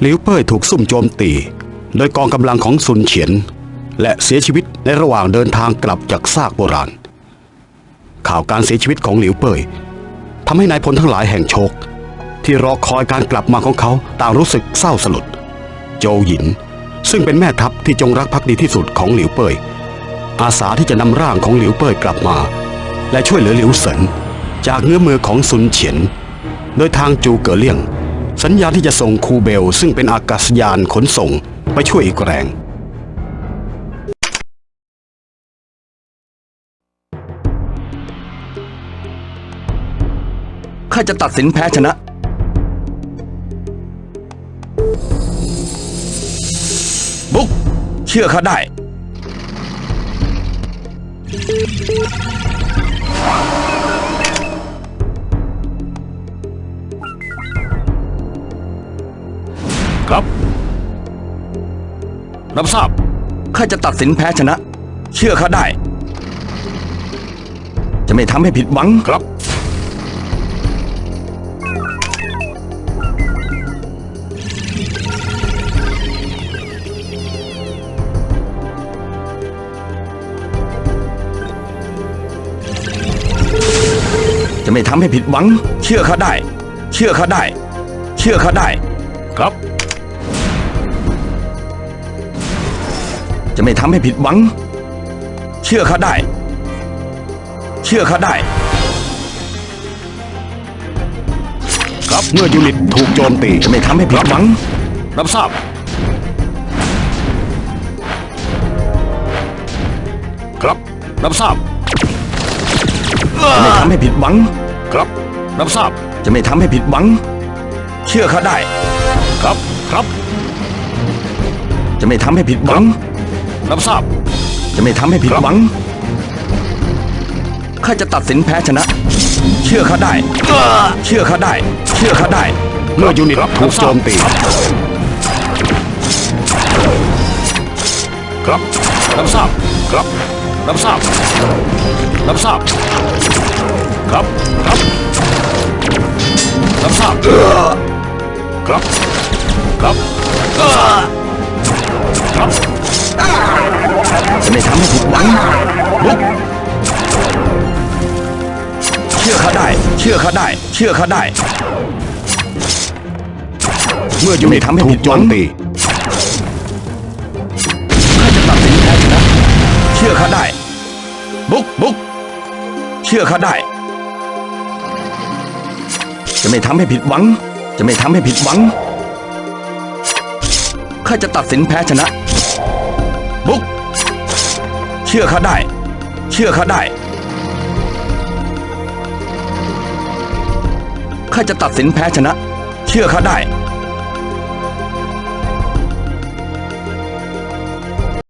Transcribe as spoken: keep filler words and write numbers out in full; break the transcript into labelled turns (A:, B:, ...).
A: หลิวเป้ยถูกซุ่มโจมตีโดยกองกำลังของซุนเฉียนและเสียชีวิตในระหว่างเดินทางกลับจากซากโบราณข่าวการเสียชีวิตของหลิวเป้ยทำให้นายพลทั้งหลายแห่งโชคที่รอคอยการกลับมาของเขาต่างรู้สึกเศร้าสลดโจวหยินซึ่งเป็นแม่ทัพที่จงรักภักดีที่สุดของหลิวเป้ยอาสาที่จะนำร่างของหลิวเป้ยกลับมาและช่วยเหลือหลิวเสินจากเงื้อมือของซุนเฉียนโดยทางจูเก๋อเลี่ยงสัญญาที่จะส่งคูเบลซึ่งเป็นอากาศยานขนส่งไปช่วยอีกแรง
B: ข้าจะตัดสินแพ้ชนะบุกเชื่อข้าได้
A: ครับรับทราบ
B: ข้าจะตัดสินแพ้ชนะเชื่อข้าได้จะไม่ทำให้ผิดหวัง
A: ครับ
B: จะไม่ทำให้ผิดหวังเชื่อข้าได้เชื่อข้าได้เชื่อข้าได้
A: ครับ
B: จะไม่ทำให้ผิดหวังเชื่อข้าได้เชื่อข้าได้
A: ครับเมื่อยูนิตถูกโจมตี
B: จะไม่ทำให้ผิดหวัง
A: รับทราบครับรับทราบ
B: จะไม่ทำให้ผิดหวัง
A: ครับรับทราบ
B: จะไม่ทำให้ผิดหวังเชื่อข้าได้
A: ครับครับ
B: จะไม่ทำให้ผิดหวัง
A: รับทราบ
B: จะไม่ทำให้ผิดหวังข้าจะตัดสินแพ้ชนะเชื่อข้าได้เชื่อข้าได้เชื่อข้าได้
A: เมื่อยูนิตถูกโจมตีครับรับทราบครับรับทราบรับทราบครับครับรับทราบครับครับครับ
B: จะไม่ทำให้ผิดหวังบุกเชื่อข้าได้เชื่อข้าได้เชื่อข้าได้
A: เมื่อยูนิตถูกโจมตี
B: ข้าจะตัดสินแพ้ชนะเชื่อข้าได้บุกบุกเชื่อข้าได้จะไม่ทำให้ผิดหวังจะไม่ทำให้ผิดหวังข้าจะตัดสินแพ้ชนะบุกเชื่อข้าได้เชื่อข้าได้ข้าจะตัดสินแพ้ชนะเชื่อข้าได้